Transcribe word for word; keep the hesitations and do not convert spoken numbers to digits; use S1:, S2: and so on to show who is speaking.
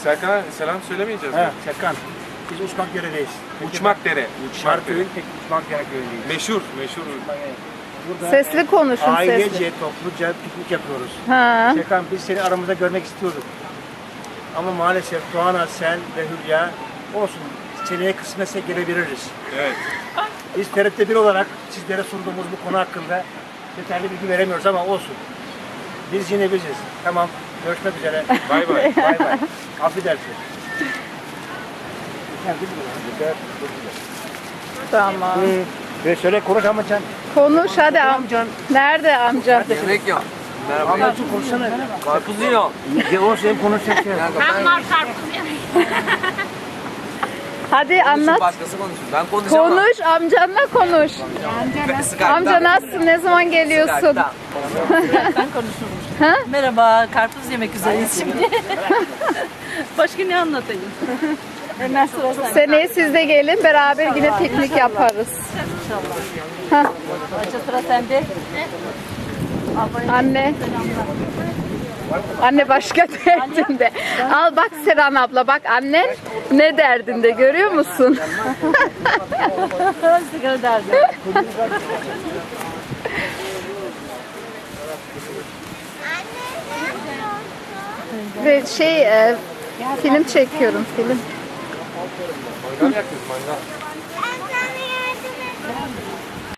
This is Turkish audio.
S1: Serkan'a selam söylemeyeceğiz
S2: He,
S1: mi?
S2: Serkan. Biz Uçmak Dere'deyiz.
S1: Uçmak Dere. Uçmak Dere.
S2: Şarköy'ün tek Uçmak Dere köyündeyiz.
S1: Meşhur, meşhur.
S2: Burada
S3: Sesli konuşun,
S2: ailece,
S3: sesli.
S2: topluca piknik yapıyoruz.
S3: Ha.
S2: Serkan, biz seni aramızda görmek istiyorduk. Ama maalesef Doğan'a, sen ve Hülya olsun. Seneye kısmetse gelebiliriz.
S1: Evet.
S2: Biz T R T bir olarak sizlere sunduğumuz bu konu hakkında detaylı bilgi veremiyoruz ama olsun. Biz yine biziz. Tamam. Görüşmek üzere.
S1: Bay bay.
S2: Bay bay. Affedersin. Yeter değil mi? Yeter. Çok güzel.
S3: Tamam.
S2: Ve söyle konuş amcan.
S3: Konuş hadi am.
S2: Amcan.
S3: Nerede amca?
S4: Yemek yok. Merhaba.
S2: Amcacığım konuşsana.
S4: Karpuz yiyor.
S2: Ya o sen konuşacaksın.
S4: Ben
S5: Var karpuz yemek.
S3: Hadi anlat.
S4: Başkası konuşsun. Ben konuşamam.
S3: Konuş, amcanla konuş. Amca nasılsın? Ne zaman geliyorsun?
S5: Ben konuşurum. Merhaba, karpuz yemek üzereyiz şimdi. Başka ne anlatayım? Hemen sıra sende.
S3: Seneye siz de gelin, beraber yine piknik yaparız.
S5: İnşallah. Başka sıra sende.
S3: Anne. Anne başka derdinde. Al bak Seren abla, bak annen ne derdinde, görüyor musun?
S5: Sigara derdi.
S3: Ve şey, e, film çekiyorum, film.
S1: Mangal yakıyoruz, mangal.